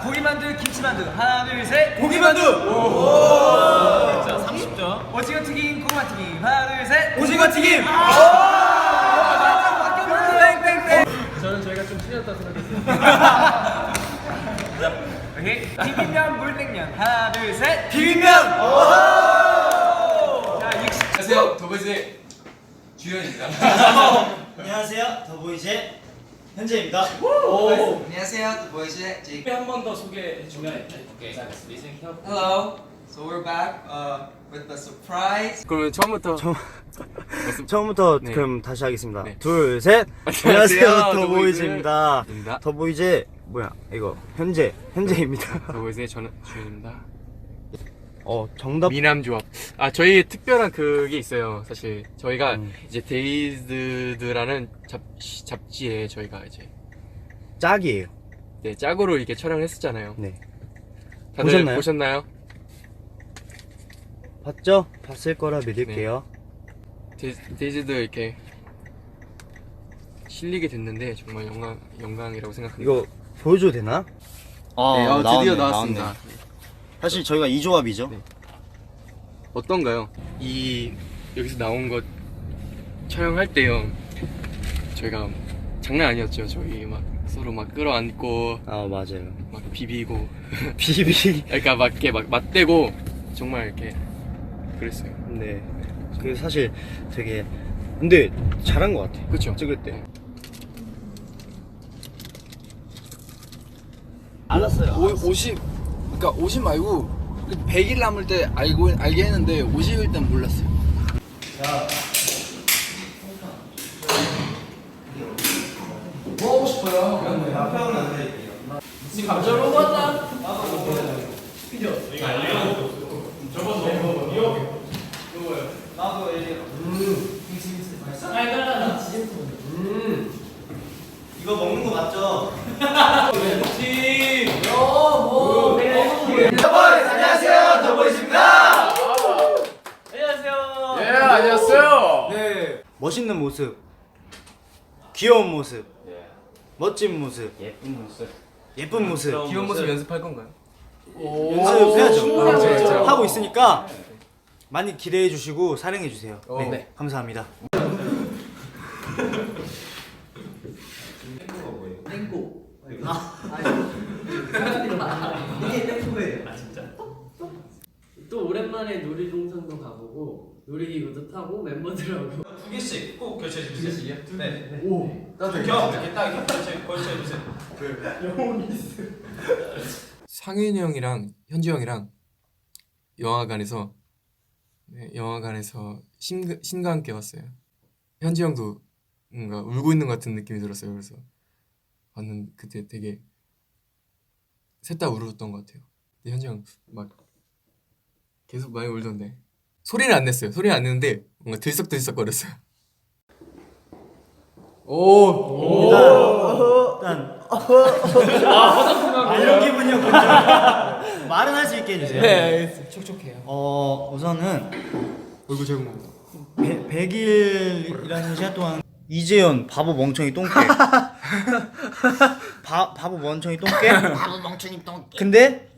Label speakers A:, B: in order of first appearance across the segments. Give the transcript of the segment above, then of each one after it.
A: 고기만두, 김치만두. 하나, 둘, 셋.
B: 고기만두.
A: 자, 30점. 오징어 튀김, 고구마 튀김. 하나, 둘, 셋.
B: 오징어 튀김.
A: 저는 저희가 좀 틀렸다고 생각했어요. 오케이. 비빔면, 물냉면. 하나, 둘, 셋.
B: 비빔면.
A: 자, 60.
C: 안녕하세요, 더보이즈의 주현입니다.
B: 안녕하세요, 더보이즈의 현재입니다.
D: 안녕하세요, The Boys의 제이크.
C: 한 번 더 소개해 주면
D: Hello. So we're back with a surprise.
C: 그러면 처음부터
E: 처음부터
C: 네.
E: 그럼 다시 하겠습니다.
C: 네.
E: 둘, 셋.
C: 안녕하세요,
E: 안녕하세요, 더보이즈입니다.
C: 더보이즈입니다.
E: 더보이즈 뭐야? 이거 현재입니다.
C: 더보이즈의 저는 주현입니다.
E: 정답.
C: 미남조합. 아, 저희 특별한 그게 있어요. 사실 저희가 이제 데이즈드라는 잡지에 저희가 이제
E: 짝이에요.
C: 네, 짝으로 이렇게 촬영을 했었잖아요.
E: 네.
C: 다들
E: 보셨나요?
C: 보셨나요?
E: 봤죠? 봤을 거라 믿을게요.
C: 데이즈드 이렇게 실리게 됐는데 정말 영광이라고 생각합니다.
E: 이거 보여줘도 되나?
C: 네, 드디어 나왔습니다.
E: 사실 저희가 이 조합이죠.
C: 네. 어떤가요? 여기서 나온 것 촬영할 때요. 저희가 장난 아니었죠. 저희 막 서로 막 끌어안고
E: 아 맞아요.
C: 막 비비고
E: 비비.
C: 그러니까 막 이렇게 막 맞대고 정말 이렇게 그랬어요.
E: 네. 그 사실 되게 근데 잘한 것 같아.
C: 그쵸?
E: 찍을 때.
C: 네.
E: 알았어요.
F: 50 말고 100일 남을 때 알게 했는데 50일 땐 몰랐어요. 뭐 하고 싶어요?
B: 앞에는 안 드릴게요.
A: 감자로 봤다.
B: 나도 얘기해. 이거 먹는 거 맞죠?
A: 안녕하세요, 더보이즈입니다. 안녕하세요.
F: 예, 안녕하세요.
E: 네. 멋있는 모습, 귀여운 모습, 멋진 모습, 예쁜 모습,
C: 귀여운 모습 연습할 건가요?
E: 연습해야죠. 하고 있으니까 많이 기대해 주시고 사랑해 주세요. 네, 감사합니다.
G: 또 오랜만에 놀이동산도 가보고 놀이기구도 타고 멤버들하고
B: 두 개씩 꼭 결제해 주세요. 네.
F: 나도
B: 이렇게 딱 결제해 주세요.
C: 상윤이 형이랑 현지 형이랑 영화관에서 신과 함께 왔어요. 현지 형도 뭔가 울고 있는 것 같은 느낌이 들었어요. 그래서 봤는데 그때 되게 셋 다 울었던 것 같아요. 근데 현지 형 막 계속 많이 울던데 소리는 안 냈어요. 소리는 안 냈는데 뭔가 들썩들썩거렸어요.
E: 이런 기분이었군요. 말은 할 수 있게 해주세요.
F: 네, 촉촉해요.
E: 우선은
C: 얼굴 제공 먹어.
E: 100일이라는 시간 동안 이재현 바보 멍청이 똥개. 바보 멍청이 똥개. 바보 멍청이 똥개. 근데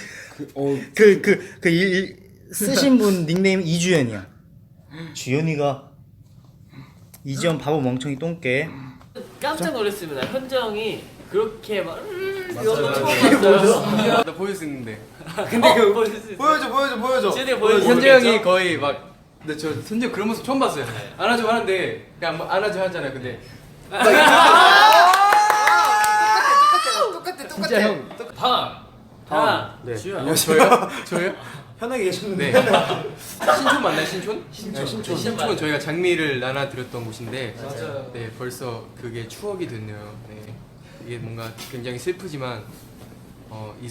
E: 쓰신 분 닉네임 이주연이야. 주연이가 이재현 바보 멍청이 똥개.
G: 깜짝 놀랐습니다. 현재 형이 그렇게 막 이거 처음 봤어요.
C: 나 보여줄 수 있는데.
G: 근데 그거 보여줄 수 있어요.
F: 보여줘.
G: 제대로 보여주세요.
C: 현재 형이 거의 막 근데 저 현재 형 그런 모습 처음 봤어요. 안아줘 하는데 그냥 뭐 안아줘 하잖아요. 근데
F: 진짜 형.
G: 하나,
E: 네.
G: 주연.
C: 저요?
E: 편하게 계셨는데.
C: 네. 신촌 맞나요? 신촌? 신촌은 저희가 장미를 나눠드렸던 곳인데
G: 맞아요.
C: 네, 벌써 그게 추억이 됐네요. 네. 이게 뭔가 굉장히 슬프지만 이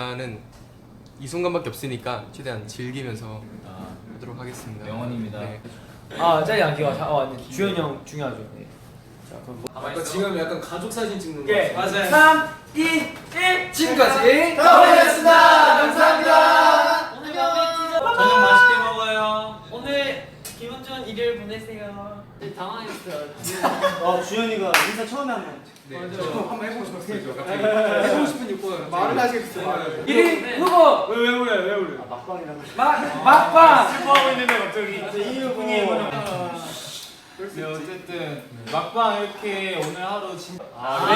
C: 순간밖에 없으니까 최대한 즐기면서 하도록 하겠습니다.
B: 영원입니다.
C: 네.
A: 짠이 안 귀여워. 주현이 형 중요하죠. 네. 자, 그럼
C: 지금 약간 가족 사진 찍는
A: 네,
G: 맞아요.
A: 3, 2, 1.
F: 지금까지
A: 더보이즈였습니다. 감사합니다.
G: 오늘 멤버
B: 저녁 맛있게 먹어요.
G: 오늘 기분 좋은 일요일 보내세요. 당황했어요.
E: 주현이가 인사 처음에 한번.
A: 한번 해보고 싶었어요. 갑자기.
F: 해보고 싶은 욕구가
A: 말을 하시겠어요.
F: 1위 후보
A: 왜 울어요?
E: 막방이라고.
F: 막방
A: 슬퍼하고 있는데 갑자기.
E: 이 분이
A: 네, 어쨌든 막방 이렇게 오늘 하루 진짜.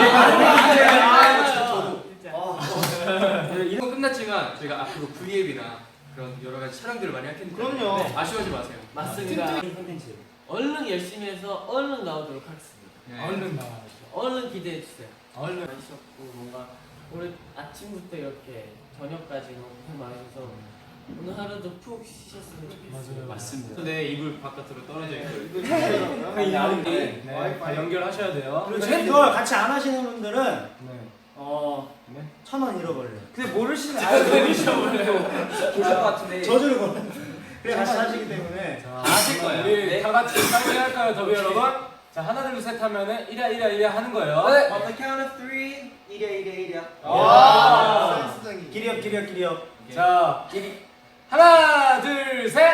F: 이거 끝났지만 저희가 앞으로 V앱이나 그런 여러 가지 촬영들을 많이 할 텐데
E: 그럼요.
F: 아쉬워하지 마세요.
G: 맞습니다. 얼른 열심히 해서 얼른 나오도록 하겠습니다.
A: 얼른 나와.
G: 얼른 기대해 주세요.
A: 얼른.
G: 많으셨고 뭔가 오늘 아침부터 이렇게 저녁까지 너무 고생 많으셔서 오늘 하루도 푹 쉬셨으면 좋겠어요.
A: 맞습니다. 네, 이불 바깥으로 떨어져 있고. 네, 다 연결하셔야 돼요.
E: 그리고 이걸 같이 안 하시는 분들은
A: 네.
E: 1,000원 잃어버려요.
F: 근데 모르시는 계실 것 같은데
E: 저주를 걸어. 그래 같이 하시기 때문에.
F: 아실 거예요.
A: 우리 다 같이 상의할까요, 더비 여러분? 자, 하나 둘 셋 하면은 1야 하는 거예요.
F: 네.
D: On the count of 3 이랴
A: 와.
E: 기리업.
A: 자, 하나 둘 셋.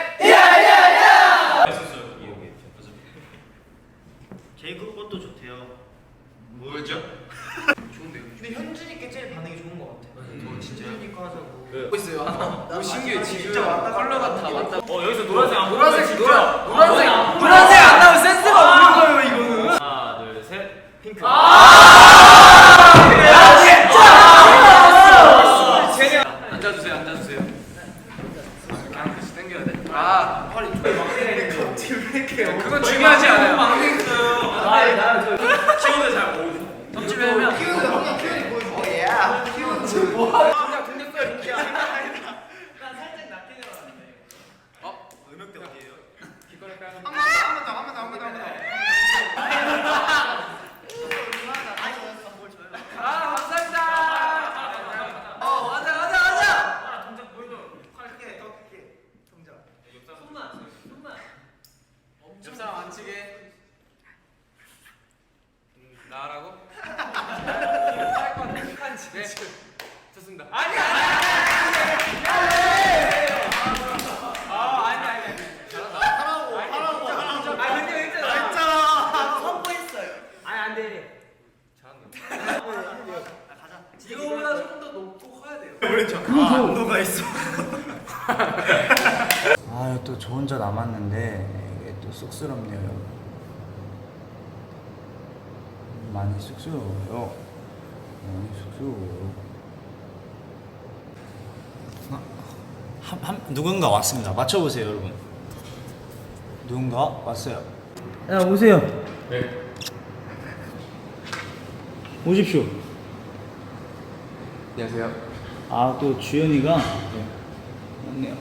E: 제이크 것도 좋대요.
B: 뭐였죠?
D: 근데 현준이께 제일 반응이 좋은 것 같아. 현준이 거 하자고.
F: 보고 있어요. 하나. 너무 신기해 지금.
D: 진짜 왔다
F: 컬러가 다 맞다.
B: 여기서 노란색 안
F: 노란색 노란색 안 나오면 센스가 없는 거예요 이거는.
B: 하나, 둘, 셋. 핑크.
F: 앉아주세요. 그냥 같이 당겨야 돼. 허리 그건 중요하지 않아요.
B: 키워드 잘 모르죠.
F: 점집하면
B: 음역대 어디예요?
F: 옆사람 안 치게. 나라고? 네. 좋습니다. 아니. 이거보다 조금 더 높고 커야 돼요.
E: 안도가 있어. 또 저 혼자 남았는데 이게 또 쑥스럽네요. 여러분. 많이 쑥스러워요. 누군가 왔습니다. 맞춰보세요, 여러분. 누군가 왔어요. 야, 오세요.
A: 네.
E: 오십시오.
C: 안녕하세요.
E: 또 주현이가 왔네요.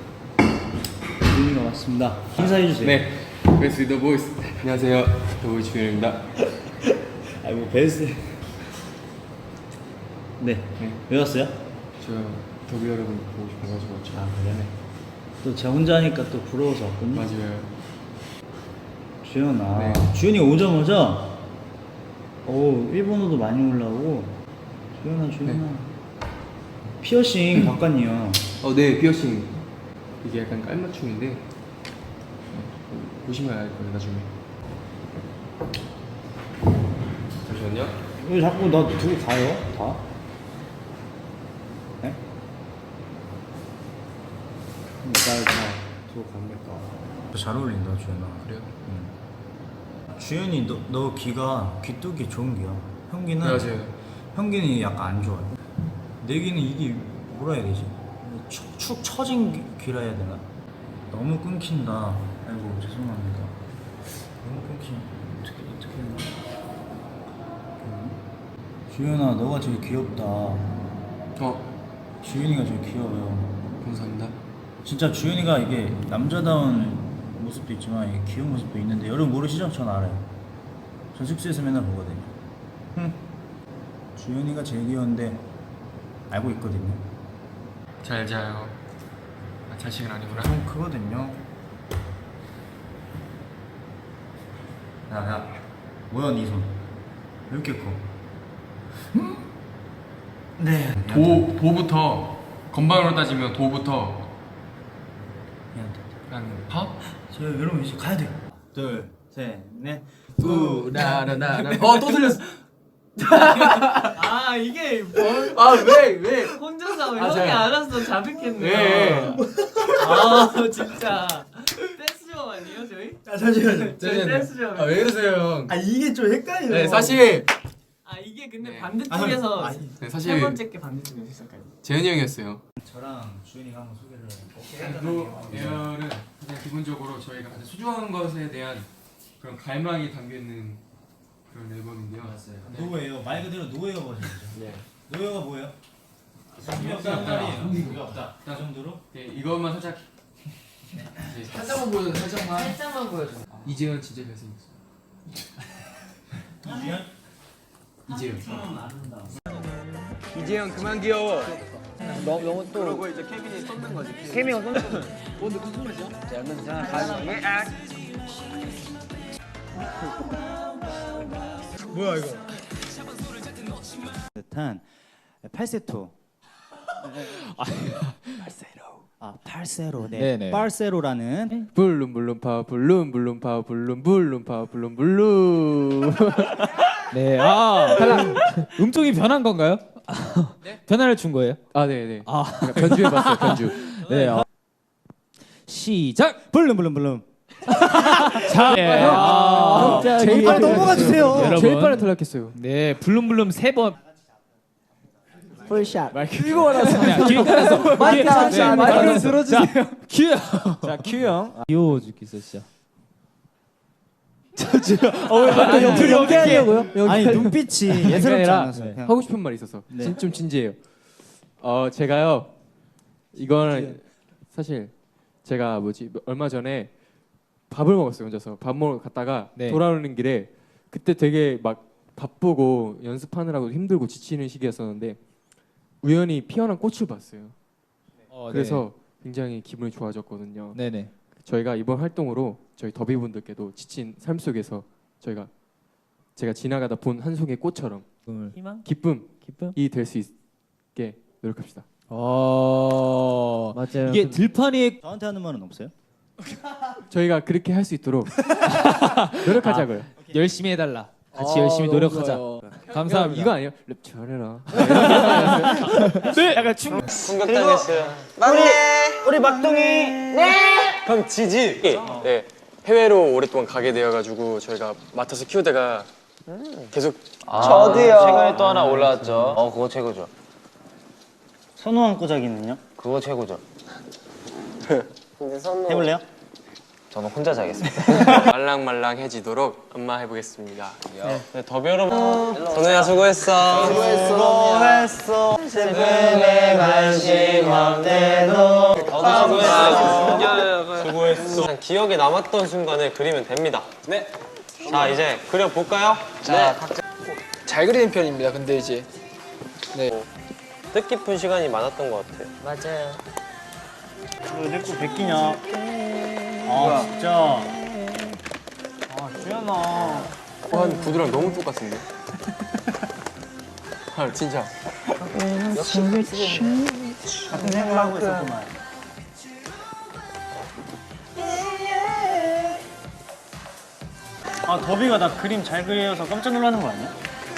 E: 주현이가 왔습니다. 인사해주세요.
C: 네. 베스트 더 보이스. 안녕하세요. 더 보이스 주현입니다.
E: 아이고 베스트. 네. 왜 왔어요?
C: 저 더비 여러분 보고 싶어가지고 왔죠.
E: 그래. 또 제가 혼자 하니까 또 부러워서 왔군요.
C: 맞아요.
E: 주현아.
C: 네.
E: 주현이가 오자마자 일본어도 많이 올라오고. 주현아.
C: 네.
E: 피어싱 바꿨니요.
C: 네, 피어싱. 이게 약간 깔맞춤인데 보시면 알 거예요, 나중에. 잠시만요.
E: 왜 자꾸 나 두고 가요? 다? 네? 날 다 두고 갑니까? 잘 어울린다, 주현아.
C: 그래요?
E: 주현이 너 귀뚜기 좋은 귀야. 형기는
C: 맞아요.
E: 형기는 약간 안 좋아요. 내 귀는 이게 뭐라 해야 되지? 축 처진 귀라 해야 되나? 너무 끊긴다. 아이고 죄송합니다. 너무 끊긴. 어떻게 했나? 주현아, 너가 제일 귀엽다. 주현이가 제일 귀여워요.
C: 감사합니다.
E: 진짜 주현이가 이게 남자다운 모습도 있지만 이게 귀여운 모습도 있는데 여러분 모르시죠? 전 알아요. 전 숙소에서 맨날 보거든요. 주현이가 제일 귀여운데 알고 있거든요.
C: 잘 자요. 자식은 아니구나.
E: 좀 크거든요. 야, 뭐야 네 손? 왜 이렇게 커? 네.
C: 도부터 건방으로 따지면 도부터
E: 미안해.
C: 한 파?
E: 저 여러분 이제 가야 돼요. 둘, 셋, 넷.
C: 우라라라라. 또 들렸어.
G: 아 이게 뭐
C: 왜?
G: 혼자서
C: 아,
G: 형이
C: 저-
G: 알아서 자백했네요.
C: 왜?
G: 아 진짜 댄스점 아니에요 저희?
E: 잠시만요.
G: 저희 댄스점.
C: 왜 그러세요, 형?
E: 이게 좀 헷갈려요.
C: 네, 사실
G: 아 이게 근데
C: 네.
G: 반대쪽에서
C: 네,
G: 세
C: 사실
G: 번째 게 반대쪽에서 시작까지.
C: 재현이 형이었어요.
E: 저랑 주현이가 한번 소개를.
C: 에어는 그냥 기본적으로 저희가 가장 소중한 것에 대한 그런 갈망이 담겨 있는 그런 앨범인데요. 네.
E: 노예요. 말 그대로 노예어 버전이죠.
G: 네.
E: 노예어가 뭐예요? 의미
C: 없다.
E: 없다는 말이에요.
C: 의미 없다.
E: 그 정도로?
C: 네, 이것만 살짝 살짝만 보여줘, 살짝만.
G: 살짝만 보여줘.
C: 이재현 진짜 잘생겼어.
E: 이지현?
C: 이재현.
F: 이재현 그만 귀여워.
G: 너무 또
F: 그러고 이제 케빈이 쏟는 거지.
G: 케미가 son는 거.
F: 근데 무슨 말이야? 자, 그럼 자, 가자.
E: 뭐야 이거? 듯한 팔세토. 팔세로. 네.
H: 네네.
E: 팔세로라는
H: 블룸 블룸 파 블룸 블룸 파 블룸 블룸 파 블룸 블룸. 네. 탈락. 음쪽이 변한 건가요? 변화를 준 거예요? 아, 네, 네. 변주해 봤어요. 변주. 네. 시작.
E: 블룸 블룸 블룸.
H: 자, 네.
E: 제일 빨리 넘어가 주세요.
H: 여러분.
E: 제일
H: 빨리 탈락했어요. 네. 블룸 블룸 3번.
G: 풀샷.
H: 이거 알았어. 기회 깔았어.
G: 마이크를
H: 들어주세요. 큐.
E: 자, 큐 형.
H: 귀여워 죽겠어, 진짜.
E: 옆으로 연기하려고요? 아니 눈빛이 예사롭지
H: 아니라
E: 않아서. 그냥.
H: 하고 싶은 말이 있어서
E: 네.
H: 좀 진지해요. 제가요 이거는 사실 제가 얼마 전에 밥을 먹었어요. 혼자서 밥 먹으러 갔다가 돌아오는 길에 그때 되게 막 바쁘고 연습하느라고 힘들고 지치는 시기였었는데 우연히 피어난 꽃을 봤어요. 그래서 굉장히 기분이 좋아졌거든요.
I: 네네.
H: 저희가 이번 활동으로 저희 더비분들께도 지친 삶 속에서 제가 지나가다 본 한 송이 꽃처럼
G: 희망?
H: 기쁨이 될 수 있게 노력합시다.
G: 맞아요.
I: 이게 들판이
E: 저한테 하는 말은 없어요?
H: 저희가 그렇게 할 수 있도록 노력하자고요.
I: 열심히 해달라. 같이 열심히 노력하자. 감사합니다.
H: 이거 아니에요? 랩 잘해라.
I: 네. 약간
B: 충격당했어요.
D: 우리 막둥이.
A: 그럼 지지. 네. 해외로 오랫동안 가게 되어가지고 저희가 맡아서 키우다가 계속
B: 저도요. 최근에 또 하나 올라왔죠. 그거 최고죠.
E: 선호한 꼬자기는요?
B: 그거 최고죠.
G: 근데 선우
E: 해볼래요?
B: 저는 혼자 자겠습니다.
A: 말랑말랑해지도록 엄마 해보겠습니다. 네, 더비 여러분. 선우야 수고했어.
E: 수고했어. 최근에 관심 없대도.
A: 수고했어. 그냥 기억에 남았던 순간을 그리면 됩니다. 네. 자 이제 그려볼까요?
F: 자, 잘 그리는 편입니다. 근데 이제
A: 뜻깊은 시간이 많았던 것 같아요.
G: 맞아요.
E: 내거 베끼냐? 아 진짜. 주연아.
C: 한 구두랑 너무 똑같은데? 진짜.
E: 같은 생각을 하고 있었구만. 더비가 나 그림 잘 그려서 깜짝 놀라는 거 아니야?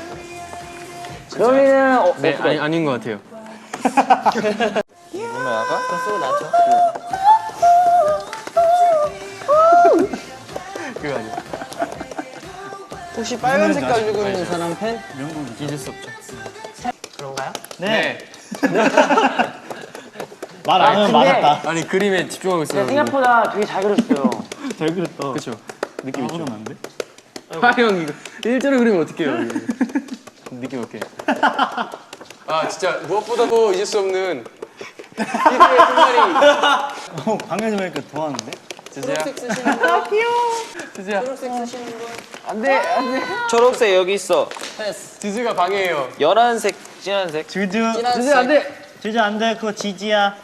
G: 그러면은
C: 네, 아닌 것 같아요.
G: 쏘 나죠.
C: 그거 아니야.
F: 혹시 빨간 색깔 주고 있는 사람 팬?
E: 명곡이지.
C: 잊을 수 없죠.
G: 그런가요?
E: 네. 말 안 하면 맞았다.
C: 아니 그림에 집중하고 있어요.
G: 생각보다 되게 잘 그렸어요.
E: 잘 그렸다.
C: 그렇죠. 느낌 있죠.
E: 안 돼?
C: 형 이거 일자로 그리면 어떡해요? 느낌 없게. 진짜 무엇보다도 잊을 수 없는 피드의 끝말이.
E: 방금 좀 하니까 더 하는데?
C: 지지야.
G: 초록색 쓰시는 분.
C: 지지야.
G: 초록색 쓰시는 분.
F: 안돼 안돼.
B: 초록색 여기 있어.
C: 지지가 방해해요.
B: 연한색, 진한색.
E: 주주.
F: 주제 안돼.
E: 주주 안 돼. 그거 지지야.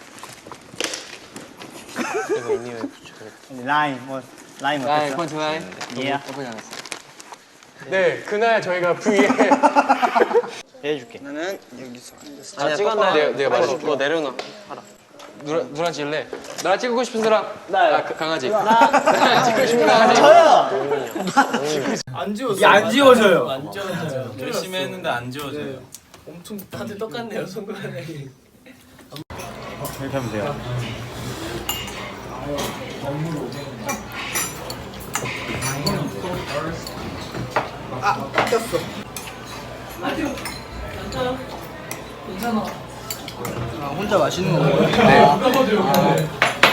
A: 이거 이니에 붙여야
E: 라임 라임 어땠어?
C: 펀치 라인.
E: 예.
C: 나쁘지 않았어. 네, 그날 저희가 V에
E: 해줄게.
F: 나는 여기서
A: 아 찍었나?
C: 내가 말해줄게.
A: 너 내려놔.
B: 누랑 찍을래? 나랑 찍고 싶은 사람? 나요. 강아지. 나랑 찍고 싶은 강아지.
D: 안 지워져.
G: 안 지워져요.
A: 열심히 했는데 안 지워져요.
G: 엄청 다들 똑같네요 손가락이.
E: 이렇게 하면 돼요.
D: 꼈어.
G: 괜찮아.
D: 혼자 맛있는 거 먹어요?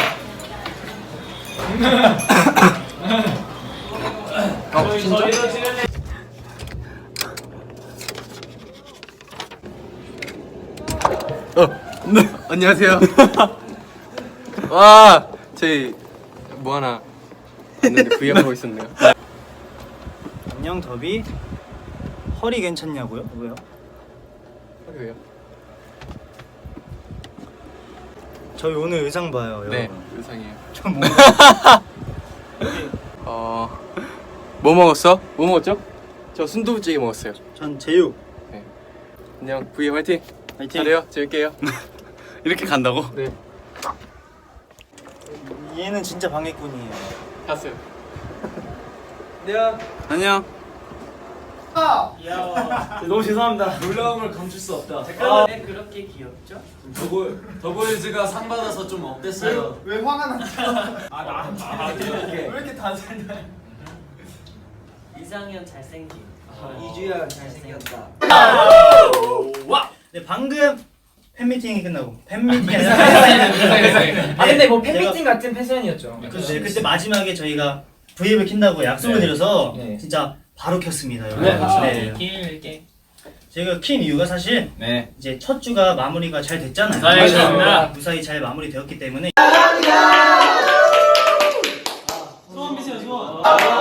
C: 진짜? 네, 안녕하세요. 와, 저희 뭐 하나 왔는데 브이앱 하고 있었네요.
E: 안녕 더비. 허리 괜찮냐고요? 왜요?
C: 왜요?
E: 저희 오늘 의상 봐요.
C: 네,
E: 여러분.
C: 의상이에요.
E: 좀
C: 뭐 먹었어? 뭐 먹었죠? 저 순두부찌개 먹었어요.
E: 전 제육.
C: 안녕, 브이앱 화이팅.
E: 화이팅.
C: 잘해요, 재밌게요.
E: 이렇게 간다고?
C: 네,
E: 얘는 진짜 방해꾼이에요.
C: 갔어요.
E: 안녕.
A: 너무 죄송합니다. 놀라움을 감출 수 없다.
G: 왜 그렇게 귀엽죠?
A: 더보이즈가 상 받아서 좀 어땠어요?
D: 왜 화가 났죠?
A: 왜
D: 이렇게 다 살냐?
G: 이상현 잘생김.
D: 이주연 잘생겼다.
E: 네, 방금 팬미팅이 끝나고 팬미팅이
D: 근데 뭐 팬미팅 같은 패션이었죠.
E: 그때 마지막에 저희가 브이앱을 킨다고 약속을 드려서
D: 네.
E: 진짜 바로 켰습니다, 여러분.
G: 네.
E: 네.
G: 길게.
E: 제가 킨 이유가 사실 이제 첫 주가 마무리가 잘 됐잖아요.
G: 맞습니다.
E: 무사히 잘 마무리되었기 때문에
G: 소원 비세요 소원.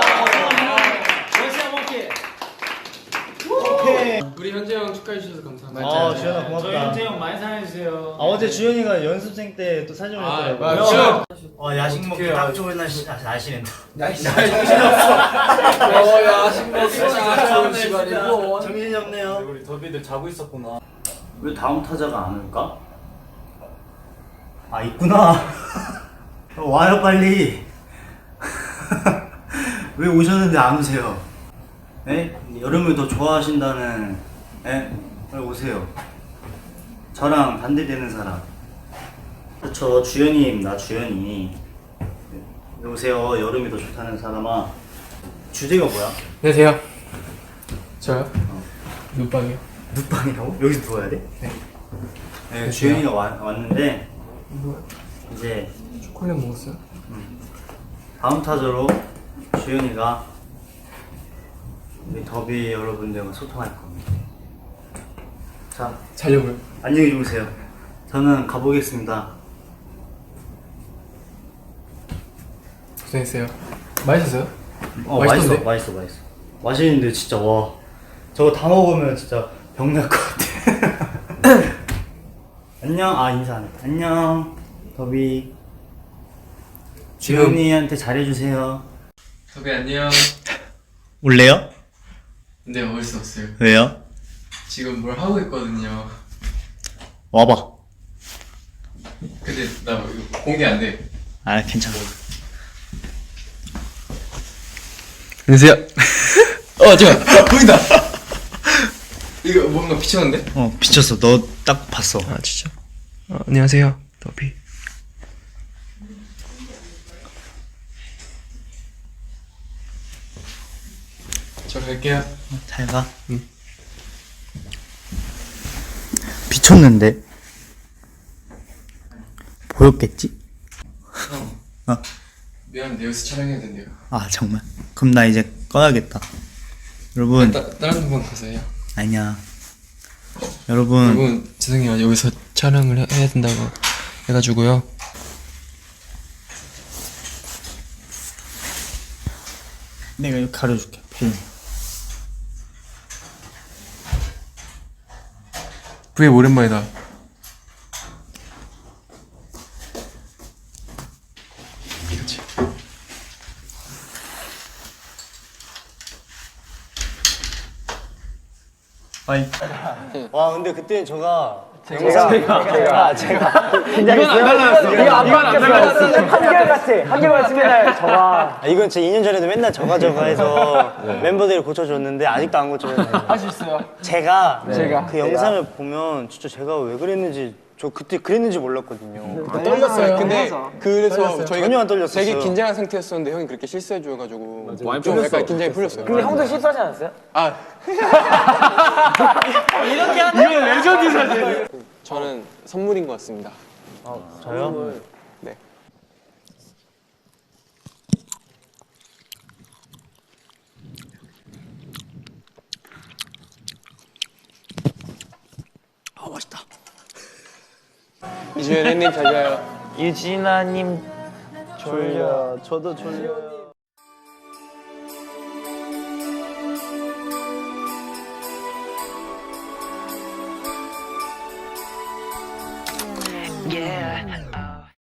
C: 우리 현재 형 축하해 주셔서 감사합니다.
E: 주현아 고맙다.
G: 저희 현재 형 많이 사랑해 주세요.
E: 어제 주현이가 연습생 때 또 사진 올렸더라고요.
C: 맞아.
E: 야식 먹기 딱 좋은 날 아시는.
C: 야식 먹기 좋은 시간이고.
E: 정신이 없네요.
A: 우리 더비들 자고 있었구나.
E: 왜 다음 타자가 안 올까? 아 있구나. 와요 빨리. 왜 오셨는데 안 오세요? 네? 여름을 더 좋아하신다는 네? 빨리 오세요. 저랑 반대되는 사람. 저 주연이 나 주연이. 오세요. 여름이 더 좋다는 사람아. 주제가 뭐야?
C: 안녕하세요. 저요? 눈빵이요.
E: 눕방이라고? 여기서 누워야 돼? 네. 주연이가 왔는데 이제
C: 초콜릿 먹었어요?
E: 다음 타자로 주연이가 우리 더비 여러분들과 소통할 겁니다. 자,
C: 자려고요.
E: 안녕히 주무세요. 저는 가보겠습니다.
C: 고생했어요. 맛있었어요?
E: 맛있어,
C: 맛있던데?
E: 맛있어. 맛있는데 진짜 와, 저거 다 먹으면 진짜 병날 것 같아. 안녕, 인사 안 해. 안녕, 더비. 주연이한테 잘해주세요.
C: 더비 안녕.
E: 올래요?
C: 근데 먹을 수 없어요.
E: 왜요?
C: 지금 뭘 하고 있거든요.
E: 와봐.
C: 근데 나 이거 공개 안 돼.
E: 아, 괜찮아.
C: 안녕하세요. 잠깐. 보인다. 이거 뭔가 비쳤는데?
E: 비쳤어. 너 딱 봤어.
C: 아 진짜? 안녕하세요. 더비. 저 갈게요.
E: 잘 가. 비쳤는데 보였겠지?
C: 미안한데 여기서 촬영해야 된대요.
E: 아 정말? 그럼 나 이제 꺼야겠다. 여러분.
C: 다른 분 가서 해요.
E: 아니야. 여러분.
C: 여러분 죄송해요. 여기서 촬영을 해야 된다고 해가지고요.
E: 내가 이거 가려줄게. 펜.
C: 브이 오랜만이다. 그렇지.
E: 와 근데 그때 제가
J: 제가 긴장했어요? 이거 안 바뀌었어요. 한결같이 맨날 저가. 이건 제 2년 전에도 맨날 저가 해서 멤버들이 고쳐줬는데 아직도 안 고쳐졌네요. 할 수 있어요. 제가 그 영상을 보면 진짜 제가 왜 그랬는지 저 그때 그랬는지 몰랐거든요.
C: 떨렸어요. 근데 그래서
J: 떨렸어요.
C: 저희가
J: 전혀 안 떨렸었어요.
C: 되게 긴장한 상태였었는데 형이 그렇게 실수해 줘가지고 좀 약간 긴장이 풀렸어요.
J: 근데 형도 실수하지 않았어요?
C: 아
J: 이렇게 하는 이건 레전드 사진.
C: 저는 선물인 것 같습니다.
J: 저요?
C: 네. 아 맛있다. 이주연 님 잘 자요.
J: 유진아님 졸려. 저도 졸려요.